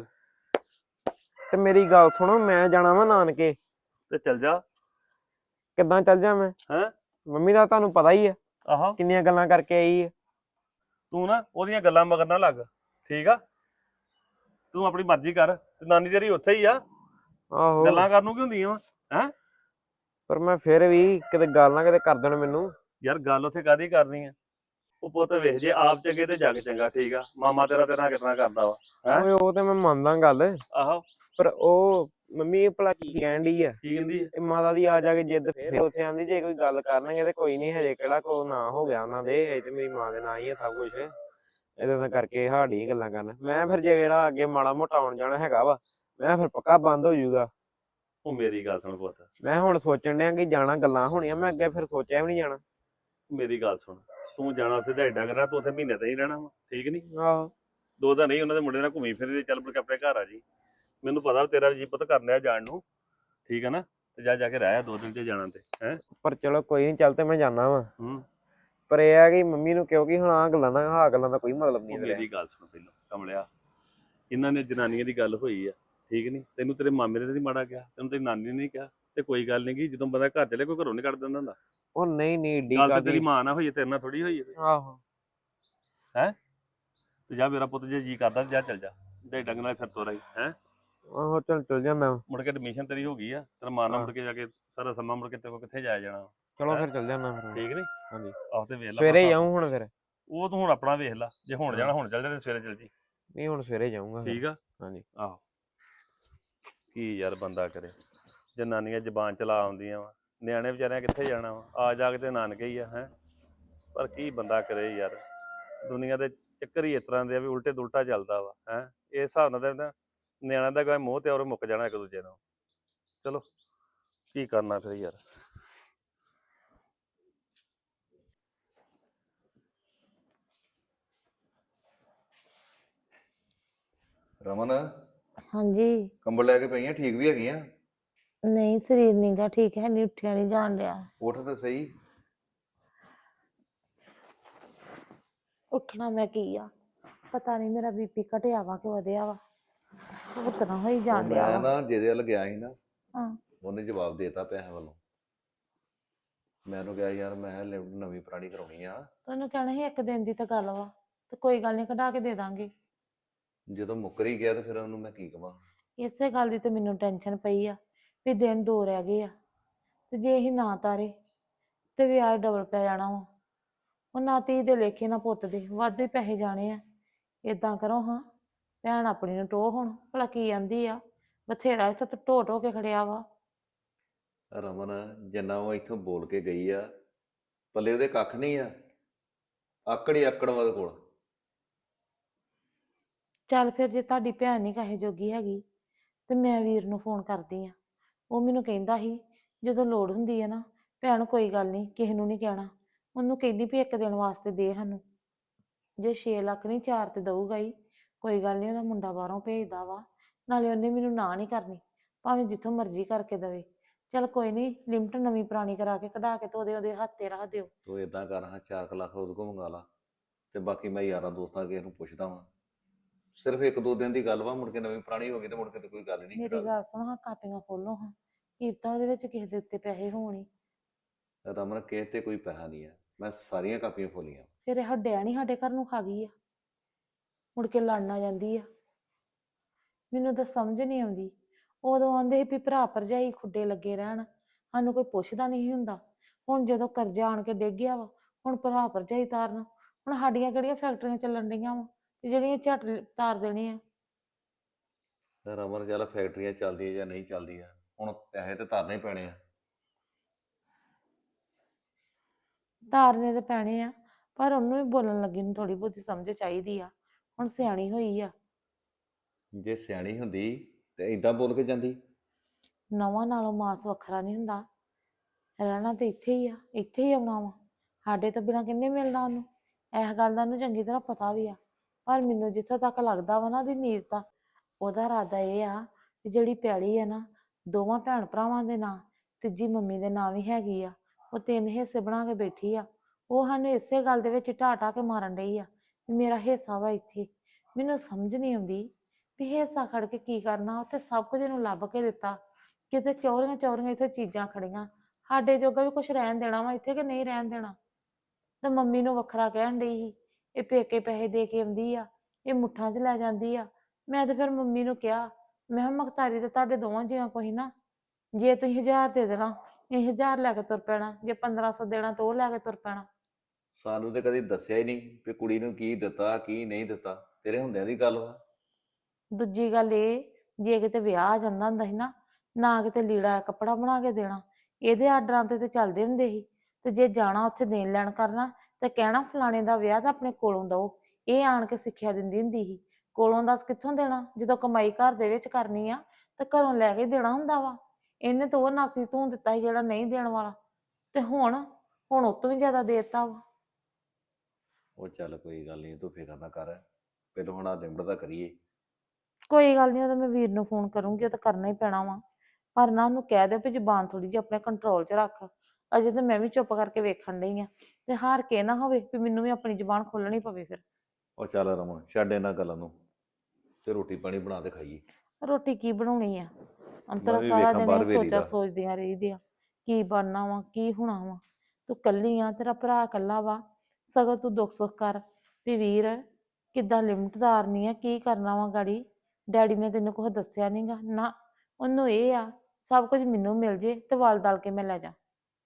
ਤੇ ਮੇਰੀ ਗੱਲ ਸੁਣੋ, ਮੈਂ ਜਾਣਾ ਵਾ ਨਾਨਕੇ।
ਤੇ ਚੱਲ ਜਾ।
ਕਿੱਦਾਂ ਚੱਲ ਜਾ ਮੈਂ?
ਹੈਂ?
ਮੰਮੀ ਦਾ ਤੁਹਾਨੂੰ ਪਤਾ ਹੀ ਆ
ਆਹੋ
ਕਿੰਨੀਆਂ ਗੱਲਾਂ ਕਰਕੇ ਆਈ ਆ।
ਤੂੰ ਨਾ ਉਹਦੀਆਂ ਗੱਲਾਂ ਮਗਰ ਨਾ ਲੱਗ, ਠੀਕ ਆ? ਤੂੰ ਆਪਣੀ ਮਰਜ਼ੀ ਕਰ, ਤੇ ਨਾਨੀ ਤੇਰੀ ਉੱਥੇ ਹੀ ਆ।
ਆਹੋ
ਗੱਲਾਂ ਕਰਨ ਨੂੰ ਕੀ ਹੁੰਦੀਆਂ ਵਾ? ਹੈਂ?
ਪਰ ਮੈਂ ਫਿਰ ਵੀ ਕਿਤੇ ਗੱਲ ਨਾ ਕਿਤੇ ਕਰ ਦੇਣ ਮੈਨੂੰ।
ਯਾਰ ਗੱਲ ਉੱਥੇ ਕਾਹਦੀ ਕਰਨੀ ਆ? ਉਹ ਪੁੱਤ ਵੇਖ, ਜੇ ਆਪ ਚੰਗੇ ਤੇ ਜੱਗ ਚੰਗਾ, ਠੀਕ ਆ? ਮਾਮਾ ਤੇਰਾ ਤੇਰਾ ਕਿਤਨਾ ਕਰਦਾ ਵਾ। ਹੈਂ?
ਓਏ ਉਹ ਤੇ ਮੈਂ ਮੰਨਦਾ ਗੱਲ,
ਆਹੋ
ਪਰ ਉਹ ਮੰਮੀ ਭਲਾ ਕੀ ਕਹਿਣ ਡਈ ਆ?
ਕੀ ਕਹਿੰਦੀ ਆ?
ਇਹ ਮਾਤਾ ਦੀ ਆ ਜਾ ਕੇ ਜਿੱਦ ਫਿਰ ਉੱਥੇ ਆਂਦੀ ਜੇ ਕੋਈ ਗੱਲ ਕਰਨਗੇ ਤੇ ਕੋਈ ਨਹੀਂ, ਹਜੇ ਕਿਹੜਾ ਕੋ ਨਾ ਹੋ ਗਿਆ ਉਹਨਾਂ ਦੇ, ਹਜੇ ਤੇ ਮੇਰੀ ਮਾਂ ਦੇ ਨਾਂ ਹੀ ਆ ਸਭ ਕੁਝ। ਇਹਦੇ ਨਾਲ ਕਰਕੇ ਹਾੜੀ ਗੱਲਾਂ ਕਰਨ। ਮੈਂ ਫਿਰ ਜੇ ਜਿਹੜਾ ਅੱਗੇ ਮਾੜਾ ਮੋਟਾ ਆਉਣ ਜਾਣਾ ਹੈਗਾ ਵਾ, ਮੈਂ ਫਿਰ ਪੱਕਾ ਬੰਦ ਹੋ ਜਾਊਗਾ।
ਉਹ ਮੇਰੀ ਗੱਲ ਸੁਣ ਪੁੱਤ,
ਮੈਂ ਹੁਣ ਸੋਚਣ ਡਿਆ ਕਿ ਜਾਣਾ ਗੱਲਾਂ ਹੋਣੀਆਂ, ਮੈਂ ਅੱਗੇ ਫਿਰ ਸੋਚਿਆ ਵੀ ਨਹੀਂ ਜਾਣਾ।
ਮੇਰੀ ਗੱਲ ਸੁਣ, ਤੂੰ ਜਾਣਾ ਉੱਥੇ ਦਿਹਾੜੀ ਕਰਨਾ, ਤੂੰ ਉੱਥੇ ਮਹੀਨੇ ਤਾਂ ਹੀ ਰਹਿਣਾ ਵਾ, ਠੀਕ ਨਹੀਂ?
ਆਹੋ
ਦੋ ਤਾਂ ਨਹੀਂ, ਉਹਨਾਂ ਦੇ ਮੁੰਡੇ ਨਾਲ ਘੁੰਮੀ ਫਿਰੀ ਚੱਲ ਮੁੜ ਕੇ ਆਪਣੇ ਘਰ ਆ ਜੀ। ਮੈਨੂੰ ਪਤਾ ਤੇਰਾ ਜੀ ਪੁੱਤ ਕਰਨ ਡਿਆ ਜਾਣ ਨੂੰ, ਠੀਕ ਹੈ ਨਾ? ਤੇ ਜਾ ਜਾ ਕੇ ਰਹਿ ਦੋ ਦਿਨ ਤੇ ਜਾਣਾ ਤੇ ਹੈ।
ਪਰ ਚਲੋ ਕੋਈ ਨਹੀਂ, ਚੱਲ ਤੇ ਮੈਂ ਜਾਣਾ ਵਾ।
ਹੂੰ
ਪਰ ਇਹ ਆ ਕਿ ਮੰਮੀ ਨੂੰ, ਕਿਉਂਕਿ ਹੁਣ ਆਹ ਗੱਲਾਂ ਦਾ ਆਹ ਗੱਲਾਂ ਦਾ ਕੋਈ ਮਤਲਬ ਨਹੀਂ।
ਮੇਰੀ ਗੱਲ ਸੁਣ ਪਹਿਲਾਂ ਕਮਲਿਆ, ਇਹਨਾਂ ਨੇ ਜਨਾਨੀਆਂ ਦੀ ਗੱਲ ਹੋਈ ਆ, ਠੀਕ ਨਹੀਂ? ਤੈਨੂੰ ਤੇਰੇ ਮਾਮੇ ਨੇ ਤਾਂ ਨਹੀਂ ਮਾੜਾ ਕਿਹਾ, ਤੈਨੂੰ ਤੇਰੀ ਨਾਨੀ ਨੇ ਨਹੀਂ ਕਿਹਾ, ਤੇ ਕੋਈ ਗੱਲ ਨਹੀਂ ਗੀ, ਜਦੋਂ ਬੰਦਾ ਘਰ ਚਲੇ ਕੋਈ ਘਰੋਂ ਨਹੀਂ ਕੱਢ ਦਿੰਦਾ ਹੁੰਦਾ।
ਉਹ ਨਹੀਂ ਨਹੀਂ ਏਡੀ
ਗੱਲ ਤੇ
ਕਾਹਦੀ।
ਤੇਰੀ ਮਾਂ ਨਾਲ ਹੋਈ, ਤੇਰੇ ਨਾਲ ਥੋੜੀ ਹੋਈ ਹੈ।
ਆਹੋ
ਹੈ ਤੇ ਜਾ ਮੇਰਾ ਪੁੱਤ, ਜੇ ਜੀ ਕਰਦਾ ਜਾ ਚੱਲ ਜਾ, ਦੇ ਡੰਗ ਨਾਲ ਫਿਰ ਤੋਰਾ ਹੀ ਹੈ।
ਆਹੋ ਚੱਲ ਚੱਲ ਜਾਂਦਾ।
ਮੁੜ ਕੇ ਐਡਮਿਸ਼ਨ ਤੇਰੀ ਹੋ ਗਈ ਆ, ਤੇਰਾ ਮਾਂ ਨਾਲ ਮੁੜ ਕੇ ਜਾ ਕੇ ਸਾਰਾ ਸਮਾਂ ਮੁੜ ਕੇ ਤੇਰੇ ਕੋਲ ਕਿੱਥੇ ਜਾਇਆ ਜਾਣਾ।
ਚਲੋ ਫਿਰ ਚੱਲ ਜਾਣਾ ਫਿਰ।
ਠੀਕ ਨੀ?
ਹਾਂਜੀ
ਆਹ ਤੇ ਵੇਖ ਲੈ,
ਸਵੇਰੇ ਜਾਊਂ ਹੁਣ ਫਿਰ।
ਉਹ ਤੂੰ ਹੁਣ ਆਪਣਾ ਵੇਖ ਲੈ, ਜੇ ਹੁਣ ਜਾਣਾ ਹੁਣ ਚੱਲ ਜਾ, ਤੇ ਸਵੇਰੇ ਚੱਲ ਜੀ।
ਨਹੀਂ ਹੁਣ ਸਵੇਰੇ ਜਾਊਂਗਾ।
ਠੀਕ ਆ?
ਹਾਂਜੀ
ਆਹੋ ਕੀ ਯਾਰ ਬੰਦਾ ਕਰੇ, ਜਨਾਨੀਆਂ ਜ਼ਬਾਨ ਚਲਾ ਆਉਂਦੀਆਂ ਵਾ, ਨਿਆਣੇ ਵਿਚਾਰਿਆਂ ਕਿੱਥੇ ਜਾਣਾ ਵਾ, ਆ ਜਾ ਕੇ ਤੇ ਨਾਨਕੇ ਹੀ ਆ ਹੈ। ਪਰ ਕੀ ਬੰਦਾ ਕਰੇ ਯਾਰ, ਦੁਨੀਆ ਦੇ ਚੱਕਰ ਹੀ ਇਸ ਤਰ੍ਹਾਂ ਦੇ ਆ ਵੀ ਉਲਟੇ ਦੁਲਟਾ ਚੱਲਦਾ ਵਾ ਹੈ। ਇਸ ਹਿਸਾਬ ਨਾਲ ਤਾਂ ਨਿਆਣਿਆਂ ਦਾ ਕੋਈ ਮੋਹ ਤੇ ਔਰ ਮੁੱਕ ਜਾਣਾ ਇੱਕ ਦੂਜੇ ਨਾਲ। ਚਲੋ ਕੀ ਕਰਨਾ ਫਿਰ ਯਾਰ।
ਰਮਨ
ਹਾਂਜੀ।
ਕੰਬਲ ਲੈ ਕੇ ਪਈਆਂ ਠੀਕ ਵੀ ਹੈਗੀਆਂ।
ਨਹੀਂ ਸਰੀਰ ਨੀਗਾ ਠੀਕ ਹੈ, ਨਹੀਂ ਉੱਠਿਆ ਨਹੀਂ ਜਾਣ ਡਿਆ।
ਉੱਠ ਤਾਂ ਸਹੀ।
ਉੱਠਣਾ ਮੈਂ ਕੀ ਆ, ਪਤਾ ਨਹੀਂ ਮੇਰਾ ਬੀਪੀ ਘਟਿਆ ਵਾ ਕਿ ਵਧਿਆ ਵਾ, ਉਤਨਾ ਹੋਈ
ਉਹ
ਜਾਣ ਡਿਆ
ਮੈਂ
ਵਾ।
ਨਾ ਜਿਹਦੇ ਵੱਲ ਗਿਆ ਸੀ ਨਾ,
ਹਾਂ।
ਉਹਨੇ ਜਵਾਬ ਦੇਤਾ ਪੈਸੇ ਵੱਲੋਂ। ਮੈਂ ਉਹਨੂੰ ਕਿਹਾ ਯਾਰ ਮੈਂ ਲਿਮਟ ਨਵੀਂ ਪੁਰਾਣੀ ਕਰਾਉਣੀ ਆ।
ਤੁਹਾਨੂੰ ਕਹਿਣਾ ਸੀ ਇੱਕ ਦਿਨ ਦੀ ਤਾਂ ਗੱਲ ਵਾ, ਤੇ ਕੋਈ ਗੱਲ ਨਹੀਂ ਕਢਾ ਕੇ ਦੇ ਦਾਂਗੇ।
ਜਦੋਂ ਮੁੱਕਰ ਹੀ ਗਿਆ ਤੇ ਫਿਰ ਉਹਨੂੰ ਮੈਂ ਕੀ ਕਵਾਂ।
ਇਸੇ ਗੱਲ ਦੀ ਤੇ ਮੈਨੂੰ ਟੈਨਸ਼ਨ ਪਈ ਆ ਵੀ ਦਿਨ ਦੋ ਰਹਿ ਗਏ ਆ, ਤੇ ਜੇ ਅਸੀਂ ਨਾ ਤਾਰੇ ਤੇ ਵਿਆਜ ਡਬਲ ਪੈ ਜਾਣਾ ਵਾ। ਉਹ ਨਾ ਧੀ ਦੇ ਲੇਖੇ ਨਾ ਪੁੱਤ ਦੇ, ਵਾਧੂ ਹੀ ਪੈਸੇ ਜਾਣੇ ਆ। ਏਦਾਂ ਕਰੋ ਹਾਂ, ਭੈਣ ਆਪਣੀ ਨੂੰ ਟੋਹ ਹੁਣ ਭਲਾ ਕੀ ਆਂਦੀ ਆ, ਬਥੇਰਾ ਇੱਥੇ ਤਾਂ ਢੋ ਢੋ ਕੇ ਖੜਿਆ ਵਾ।
ਰਮਨ ਜਿੰਨਾ ਉਹ ਇੱਥੋਂ ਬੋਲ ਕੇ ਗਈ ਆ, ਪੱਲੇ ਉਹਦੇ ਕੱਖ ਨਹੀਂ ਆ। ਆਕੜ ਹੀ ਆਕੜ ਵਾ ਉਹਦੇ ਕੋਲ।
ਚੱਲ ਫਿਰ ਜੇ ਤੁਹਾਡੀ ਭੈਣ ਨਹੀਂ ਕਹੇ ਜੋਗੀ ਹੈਗੀ ਤੇ ਮੈਂ ਵੀਰ ਨੂੰ ਫੋਨ ਕਰਦੀ ਆ। ਉਹ ਮੈਨੂੰ ਕਹਿੰਦਾ ਸੀ ਜਦੋਂ ਲੋੜ ਹੁੰਦੀ ਆ ਨਾ, ਭੈਣ ਕੋਈ ਗੱਲ ਨਹੀਂ ਕਿਸੇ ਨੂੰ ਨਹੀਂ ਕਹਿਣਾ, ਉਹਨੂੰ ਕਹਿੰਦੀ ਵੀ ਇੱਕ ਦਿਨ ਵਾਸਤੇ ਦੇ ਸਾਨੂੰ। ਜੇ ਛੇ ਲੱਖ ਨਹੀਂ ਚਾਰ ਤੇ ਦਊਗਾ ਹੀ, ਕੋਈ ਗੱਲ ਨਹੀਂ, ਉਹਦਾ ਮੁੰਡਾ ਬਾਹਰੋਂ ਭੇਜਦਾ ਵਾ, ਨਾਲੇ ਉਹਨੇ ਮੈਨੂੰ ਨਾ ਨਹੀਂ ਕਰਨੀ, ਭਾਵੇਂ ਜਿੱਥੋਂ ਮਰਜ਼ੀ ਕਰਕੇ ਦਵੇ। ਚੱਲ ਕੋਈ ਨਹੀਂ, ਲਿਮਟ ਨਵੀਂ ਪੁਰਾਣੀ ਕਰਾ ਕੇ ਕਢਾ ਕੇ ਤੇ ਉਹਦੇ ਉਹਦੇ ਹੱਥ ਤੇ ਰੱਖ ਦਿਓ।
ਤੂੰ ਏਦਾਂ ਕਰ ਹਾਂ, ਚਾਰ ਕੁ ਲੱਖ ਉਹਦੇ ਕੋਲ ਮੰਗਾ ਲਾ, ਤੇ ਬਾਕੀ ਮੈਂ ਯਾਰਾਂ ਦੋਸਤਾਂ ਕਿਸੇ ਨੂੰ ਪੁੱਛਦਾ ਵਾਂ। ਸਿਰਫ ਇੱਕ ਦੋ ਦਿਨ ਦੀ ਗੱਲ ਵਾ, ਮੁੜ ਕੇ ਨਵੀਂ ਪੁਰਾਣੀ ਹੋ ਗਈ ਤੇ ਮੁੜ ਕੇ ਤੇ ਕੋਈ ਗੱਲ ਨਹੀਂ।
ਮੇਰੀ ਗੱਲ ਸੁਣੋ ਹਾਂ, ਕਾਪੀਆਂ ਖੋਲੋ ਹਾਂ, ਕੀ ਪਤਾ ਉਹਦੇ ਵਿੱਚ ਕਿਸੇ ਦੇ ਉੱਤੇ ਪੈਸੇ ਹੋਣ ਹੀ।
ਰਮਨ ਕਿਸੇ ਤੇ ਕੋਈ ਪੈਸਾ ਨਹੀਂ ਆ, ਮੈਂ ਸਾਰੀਆਂ ਕਾਪੀਆਂ ਖੋਲੀਆਂ।
ਫਿਰ ਇਹ ਹੱਡਿਆ ਨਹੀਂ ਸਾਡੇ ਘਰ ਨੂੰ ਖਾ ਗਈ ਆ, ਮੁੜ ਕੇ ਲੜਨ ਆ ਜਾਂਦੀ ਆ। ਮੈਨੂੰ ਤਾਂ ਸਮਝ ਨਹੀਂ ਆਉਂਦੀ। ਉਦੋਂ ਆਂਦੇ ਸੀ ਵੀ ਭਰਾ ਭਰਜਾਈ ਖੁੱਡੇ ਲੱਗੇ ਰਹਿਣ, ਸਾਨੂੰ ਕੋਈ ਪੁੱਛਦਾ ਨਹੀਂ ਹੁੰਦਾ। ਹੁਣ ਜਦੋਂ ਕਰਜ਼ਾ ਆਣ ਕੇ ਡਿੱਗ ਗਿਆ ਵਾ, ਹੁਣ ਭਰਾ ਭਰਜਾਈ ਤਾਰਨ। ਹੁਣ ਸਾਡੀਆਂ ਕਿਹੜੀਆਂ ਫੈਕਟਰੀਆਂ ਚੱਲਣ ਡਈਆਂ ਵਾ ਜਿਹੜੀਆਂ ਝੱਟ ਤਾਰ ਦੇਣੀ ਆ।
ਰਮਨ ਚੱਲ ਫੈਕਟਰੀਆਂ ਚੱਲਦੀਆਂ ਜਾਂ ਨਹੀਂ ਚੱਲਦੀਆਂ, ਹੁਣ ਪੈਸੇ ਤੇ ਧਰਨੇ ਹੀ ਪੈਣੇ ਆ।
ਤਾਰਨੇ ਤੇ ਪੈਣੇ ਆ, ਪਰ ਉਹਨੂੰ ਵੀ ਬੋਲਣ ਲੱਗੀ ਨੂੰ ਥੋੜੀ ਬਹੁਤੀ ਸਮਝ ਚਾਹੀਦੀ ਆ, ਹੁਣ ਸਿਆਣੀ ਹੋਈ ਆ।
ਜੇ ਸਿਆਣੀ ਹੁੰਦੀ ਤੇ ਏਦਾਂ ਬੋਲ ਕੇ ਜਾਂਦੀ।
ਨਵਾਂ ਨਾਲੋਂ ਮਾਸ ਵੱਖਰਾ ਨਹੀਂ ਹੁੰਦਾ, ਰਹਿਣਾ ਤੇ ਇੱਥੇ ਹੀ ਆ, ਇੱਥੇ ਹੀ ਆਉਣਾ ਵਾ। ਸਾਡੇ ਤੋਂ ਬਿਨਾਂ ਕਿੰਨੇ ਮਿਲਣਾ ਉਹਨੂੰ, ਇਸ ਗੱਲ ਦਾ ਉਹਨੂੰ ਚੰਗੀ ਤਰ੍ਹਾਂ ਪਤਾ ਵੀ ਆ। ਪਰ ਮੈਨੂੰ ਜਿੱਥੋਂ ਤੱਕ ਲੱਗਦਾ ਵਾ ਨਾ, ਉਹਦੀ ਨੀਤ ਦਾ ਉਹਦਾ ਇਰਾਦਾ ਇਹ ਆ ਵੀ ਜਿਹੜੀ ਪੈਲੀ ਆ ਨਾ, ਦੋਵਾਂ ਭੈਣ ਭਰਾਵਾਂ ਦੇ ਨਾਂ, ਤੀਜੀ ਮੰਮੀ ਦੇ ਨਾਂ ਵੀ ਹੈਗੀ ਆ, ਉਹ ਤਿੰਨ ਹਿੱਸੇ ਬਣਾ ਕੇ ਬੈਠੀ ਆ। ਉਹ ਸਾਨੂੰ ਇਸੇ ਗੱਲ ਦੇ ਵਿੱਚ ਢਾਹ ਢਾਹ ਕੇ ਮਾਰਨ ਡਈ ਆ ਵੀ ਮੇਰਾ ਹਿੱਸਾ ਵਾ ਇੱਥੇ। ਮੈਨੂੰ ਸਮਝ ਨਹੀਂ ਆਉਂਦੀ ਵੀ ਹਿੱਸਾ ਖੜ ਕੇ ਕੀ ਕਰਨਾ, ਉੱਥੇ ਸਭ ਕੁਝ ਇਹਨੂੰ ਲੱਭ ਕੇ ਦਿੱਤਾ, ਕਿਤੇ ਚੌਰੀਆਂ ਚੌਰੀਆਂ ਇੱਥੇ ਚੀਜ਼ਾਂ ਖੜੀਆਂ। ਸਾਡੇ ਜੋਗਾ ਵੀ ਕੁਛ ਰਹਿਣ ਦੇਣਾ ਵਾ ਇੱਥੇ ਕਿ ਨਹੀਂ ਰਹਿਣ ਦੇਣਾ। ਤੇ ਮੰਮੀ ਨੂੰ ਵੱਖਰਾ ਕਹਿਣ ਡਈ ਸੀ, ਇਹ ਪੇਕੇ ਪੈਸੇ ਦੇ ਕੇ ਆਉਂਦੀ ਆ, ਇਹ ਮੁੱਠਾਂ 'ਚ ਲੈ ਜਾਂਦੀ ਆ। ਮੈਂ ਤੇ ਫਿਰ ਮੰਮੀ ਨੂੰ ਕਿਹਾ, ਮੈਂ ਕਿਹਾ ਮੁਖਤਾਰੀ ਤੇ ਤੁਹਾਡੇ ਦੋਵਾਂ ਜੀਆਂ ਕੋਈ ਨਾ, ਜੇ ਤੁਸੀਂ ਹਜ਼ਾਰ ਦੇ ਦੇਣਾ ਇਹ ਹਜ਼ਾਰ ਲੈ ਕੇ ਤੁਰ ਪੈਣਾ, ਜੇ ਪੰਦਰਾਂ ਸੌ ਦੇਣਾ ਤਾਂ ਉਹ ਲੈ ਕੇ ਤੁਰ ਪੈਣਾ।
ਸਾਨੂੰ ਤੇ ਕਦੀ ਦੱਸਿਆ ਹੀ ਨਹੀਂ ਵੀ ਕੁੜੀ ਨੂੰ ਕੀ ਦਿੱਤਾ ਕੀ ਨਹੀਂ ਦਿੱਤਾ, ਤੇਰੇ ਹੁੰਦਿਆਂ ਦੀ ਗੱਲ ਵਾ।
ਦੂਜੀ ਗੱਲ ਇਹ, ਜੇ ਕਿਤੇ ਵਿਆਹ ਆ ਜਾਂਦਾ ਹੁੰਦਾ ਸੀ ਨਾ, ਨਾ ਕਿਤੇ ਲੀੜਾ ਕੱਪੜਾ ਬਣਾ ਕੇ ਦੇਣਾ, ਇਹਦੇ ਆਰਡਰਾਂ ਤੇ ਤੇ ਚੱਲਦੇ ਹੁੰਦੇ ਸੀ। ਤੇ ਜੇ ਜਾਣਾ ਉੱਥੇ ਦੇਣ ਲੈਣ ਕਰਨਾ ਤੇ ਕਹਿਣਾ ਫਲਾਣੇ ਦਾ ਵਿਆਹ ਤਾਂ ਆਪਣੇ ਕੋਲੋਂ ਦਓ। ਇਹ ਆਣ ਕੇ ਸਿੱਖਿਆ ਦਿੰਦੀ ਹੁੰਦੀ ਸੀ। ਕੋਲੋਂ ਦੱਸ ਕਿੱਥੋਂ ਦੇਣਾ, ਜਦੋਂ ਕਮਾਈ ਘਰ ਦੇ ਵਿੱਚ ਕਰਨੀ ਆ ਤੇ ਘਰੋਂ ਲੈ ਕੇ ਦੇਣਾ ਹੁੰਦਾ ਵਾ। ਇਹਨੇ ਤਾਂ ਉਹ ਨਾਸੀ ਧੂੰ ਦਿੱਤਾ ਸੀ ਜਿਹੜਾ ਨਹੀਂ ਦੇਣ ਵਾਲਾ, ਤੇ ਹੁਣ ਹੁਣ ਉਹ ਤੋਂ ਵੀ ਜ਼ਿਆਦਾ ਦੇ ਦਿੱਤਾ ਵਾ।
ਉਹ ਚੱਲ ਕੋਈ ਗੱਲ ਨਹੀਂ, ਤੂੰ ਫਿਕਰ ਨਾ ਕਰ, ਪਹਿਲਾਂ ਹੁਣ ਆ ਲਿਮਟ ਦਾ ਕਰੀਏ।
ਕੋਈ ਗੱਲ ਨਹੀਂ, ਉਹ ਤਾਂ ਮੈਂ ਵੀਰ ਨੂੰ ਫੋਨ ਕਰੂੰਗੀ, ਉਹ ਤਾਂ ਕਰਨਾ ਹੀ ਪੈਣਾ ਵਾ। ਪਰ ਨਾ ਉਹਨੂੰ ਕਹਿ ਦਿਓ ਵੀ ਜ਼ੁਬਾਨ ਥੋੜੀ ਜਿਹੀ ਆਪਣੇ ਕੰਟਰੋਲ 'ਚ ਰੱਖ। ਅਜੇ ਤਾਂ ਮੈਂ ਵੀ ਚੁੱਪ ਕਰਕੇ ਵੇਖਣ ਡਈ ਆ, ਤੇ ਹਾਰ ਕੇ ਨਾ ਹੋਵੇ ਵੀ ਮੈਨੂੰ ਵੀ ਆਪਣੀ ਜ਼ੁਬਾਨ ਖੋਲਣੀ ਪਵੇ ਫਿਰ।
ਉਹ ਚੱਲ ਰਮਨ ਛੱਡ ਇਹਨਾਂ ਗੱਲਾਂ ਨੂੰ, ਤੇ ਰੋਟੀ ਪਾਣੀ ਬਣਾ ਕੇ ਖਾਈਏ।
ਰੋਟੀ ਕੀ ਬਣਾਉਣੀ ਆ,
ਮੈਂ
ਅੰਤਰਾ
ਵੀ
ਸਾਰਾ
ਵੇਖਾਂ
ਦਿਨ
ਬਾਹਰ
ਇਹ
ਵੇਲੀ
ਸੋਚਾਂ
ਦਾ।
ਸੋਚਦੀਆਂ ਰਹੀਦੀਆਂ ਕੀ ਬਣਨਾ ਵਾ ਕੀ ਹੋਣਾ ਵਾ। ਤੂੰ ਕੱਲੀ ਆ, ਤੇਰਾ ਭਰਾ ਕੱਲਾ ਵਾ, ਸਗੋਂ ਤੂੰ ਦੁੱਖ ਸੁੱਖ ਕਰ ਵੀ ਵੀਰ ਕਿੱਦਾਂ ਲਿਮਟ ਤਾਰਨੀ ਆ, ਕੀ ਕਰਨਾ ਵਾ ਗਾੜੀ। ਡੈਡੀ ਨੇ ਤੈਨੂੰ ਕੁਛ ਦੱਸਿਆ ਨੀ ਗਾ ਨਾ, ਉਹਨੂੰ ਇਹ ਆ ਸਭ ਕੁਝ ਮੈਨੂੰ ਮਿਲ ਜੇ ਤੇ ਵਲ ਦਲ ਕੇ ਮੈਂ ਲੈ ਜਾ।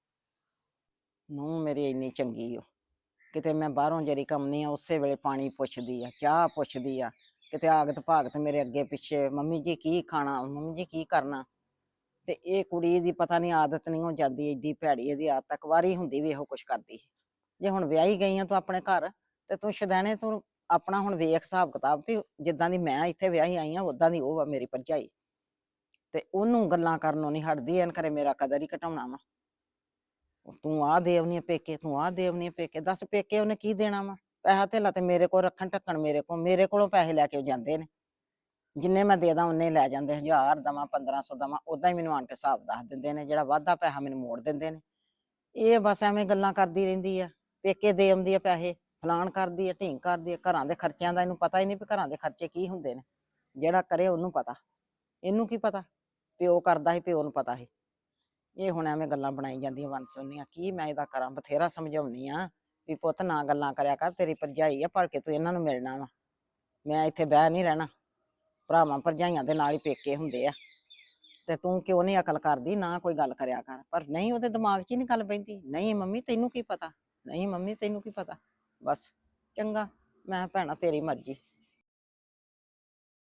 ਨੂੰਹ ਮੇਰੀ ਇੰਨੀ ਚੰਗੀ ਓ, ਕਿਤੇ ਮੈਂ ਬਾਹਰੋਂ ਜਿਹੜੀ ਕੰਮ ਨਹੀਂ ਆ ਉਸੇ ਵੇਲੇ ਪਾਣੀ ਪੁੱਛਦੀ ਆ, ਚਾਹ ਪੁੱਛਦੀ ਆ, ਕਿਤੇ ਆਗਤ ਭਾਗਤ ਮੇਰੇ ਅੱਗੇ ਪਿੱਛੇ, ਮੰਮੀ ਜੀ ਕੀ ਖਾਣਾ, ਮੰਮੀ ਜੀ ਕੀ ਕਰਨਾ। ਤੇ ਇਹ ਕੁੜੀ ਦੀ ਪਤਾ ਨਹੀਂ ਆਦਤ ਨਹੀਂ ਹੋ ਜਾਂਦੀ, ਏਡੀ ਭੈੜੀ ਇਹਦੀ ਆਦਤ, ਕੁਆਰੀ ਹੁੰਦੀ ਵੀ ਇਹੋ ਕੁਛ ਕਰਦੀ। ਜੇ ਹੁਣ ਵਿਆਹੀ ਗਈ ਆ ਤੂੰ ਆਪਣੇ ਘਰ, ਤੇ ਤੂੰ ਸ਼ਦੈਣੇ ਤੂੰ ਆਪਣਾ ਹੁਣ ਵੇਖ ਹਿਸਾਬ ਕਿਤਾਬ ਵੀ ਜਿੱਦਾਂ ਦੀ ਮੈਂ ਇੱਥੇ ਵਿਆਹੀ ਆਈ ਆ ਉਦਾਂ ਦੀ ਉਹ ਆ ਮੇਰੀ ਭਰਜਾਈ। ਤੇ ਉਹਨੂੰ ਗੱਲਾਂ ਕਰਨੋਂ ਨਹੀਂ ਹਟਦੀ, ਐਨ ਕਰੇ ਮੇਰਾ ਕਦਰ ਹੀ ਘਟਾਉਣਾ ਵਾ। ਤੂੰ ਆਹ ਦੇ ਆਉਣੀ ਆ ਪੇਕੇ, ਤੂੰ ਆਹ ਦੇ ਆਉਣੀ ਆ ਪੇਕੇ, ਦੱਸ ਪੇਕੇ ਉਹਨੇ ਕੀ ਦੇਣਾ ਵਾ। ਪੈਸਾ ਧੇਲਾ ਤੇ ਮੇਰੇ ਕੋਲ ਰੱਖਣ ਢੱਕਣ ਮੇਰੇ ਕੋਲ, ਮੇਰੇ ਕੋਲੋਂ ਪੈਸੇ ਲੈ ਕੇ ਉਹ ਜਾਂਦੇ ਨੇ। ਜਿੰਨੇ ਮੈਂ ਦੇ ਦਾਂ ਉਹਨੇ ਲੈ ਜਾਂਦੇ, ਹਜ਼ਾਰ ਦਵਾਂ ਪੰਦਰਾਂ ਸੌ ਦਵਾਂ ਉਦਾਂ ਹੀ ਮੈਨੂੰ ਆਣ ਕੇ ਹਿਸਾਬ ਦੱਸ ਦਿੰਦੇ ਨੇ, ਜਿਹੜਾ ਵਾਧਾ ਪੈਸਾ ਮੈਨੂੰ ਮੋੜ ਦਿੰਦੇ ਨੇ। ਇਹ ਬਸ ਐਵੇਂ ਗੱਲਾਂ ਕਰਦੀ ਰਹਿੰਦੀ ਆ, ਪੇਕੇ ਦੇ ਆਉਂਦੀ ਆ ਪੈਸੇ, ਫਲਾਣ ਕਰਦੀ ਆ, ਢੀਂਗ ਕਰਦੀ ਆ। ਘਰਾਂ ਦੇ ਖਰਚਿਆਂ ਦਾ ਇਹਨੂੰ ਪਤਾ ਹੀ ਨਹੀਂ ਵੀ ਘਰਾਂ ਦੇ ਖਰਚੇ ਕੀ ਹੁੰਦੇ ਨੇ। ਜਿਹੜਾ ਕਰੇ ਉਹਨੂੰ ਪਤਾ, ਇਹਨੂੰ ਕੀ ਪਤਾ। ਪਿਓ ਕਰਦਾ ਸੀ, ਪਿਓ ਨੂੰ ਪਤਾ ਸੀ। ਇਹ ਹੁਣ ਐਵੇਂ ਗੱਲਾਂ ਬਣਾਈ ਜਾਂਦੀਆਂ ਵੰਨ ਸੁਵੰਨੀਆਂ। ਕੀ ਮੈਂ ਇਹਦਾ ਕਰਾਂ, ਬਥੇਰਾ ਸਮਝਾਉਂਦੀ ਆ ਵੀ ਪੁੱਤ ਨਾ ਗੱਲਾਂ ਕਰਿਆ ਕਰ, ਤੇਰੀ ਭਰਜਾਈ ਆ, ਭਲਕੇ ਤੂੰ ਇਹਨਾਂ ਨੂੰ ਮਿਲਣਾ ਵਾ। ਮੈਂ ਇੱਥੇ ਬਹਿ ਨਹੀਂ ਰਹਿਣਾ, ਭਰਾਵਾਂ ਭਰਜਾਈਆਂ ਦੇ ਨਾਲ ਹੀ ਪੇਕੇ ਹੁੰਦੇ ਆ, ਤੇ ਤੂੰ ਕਿਉਂ ਨਹੀਂ ਅਕਲ ਕਰਦੀ, ਨਾ ਕੋਈ ਗੱਲ ਕਰਿਆ ਕਰ। ਪਰ ਨਹੀਂ, ਉਹਦੇ ਦਿਮਾਗ 'ਚ ਹੀ ਨਹੀਂ ਗੱਲ ਪੈਂਦੀ। ਨਹੀਂ ਮੰਮੀ ਤੈਨੂੰ ਕੀ ਪਤਾ, ਨਹੀਂ ਮੰਮੀ ਤੈਨੂੰ ਕੀ ਪਤਾ। ਬਸ ਚੰਗਾ, ਮੈਂ ਕਿਹਾ ਭੈਣਾ ਤੇਰੀ ਮਰਜ਼ੀ।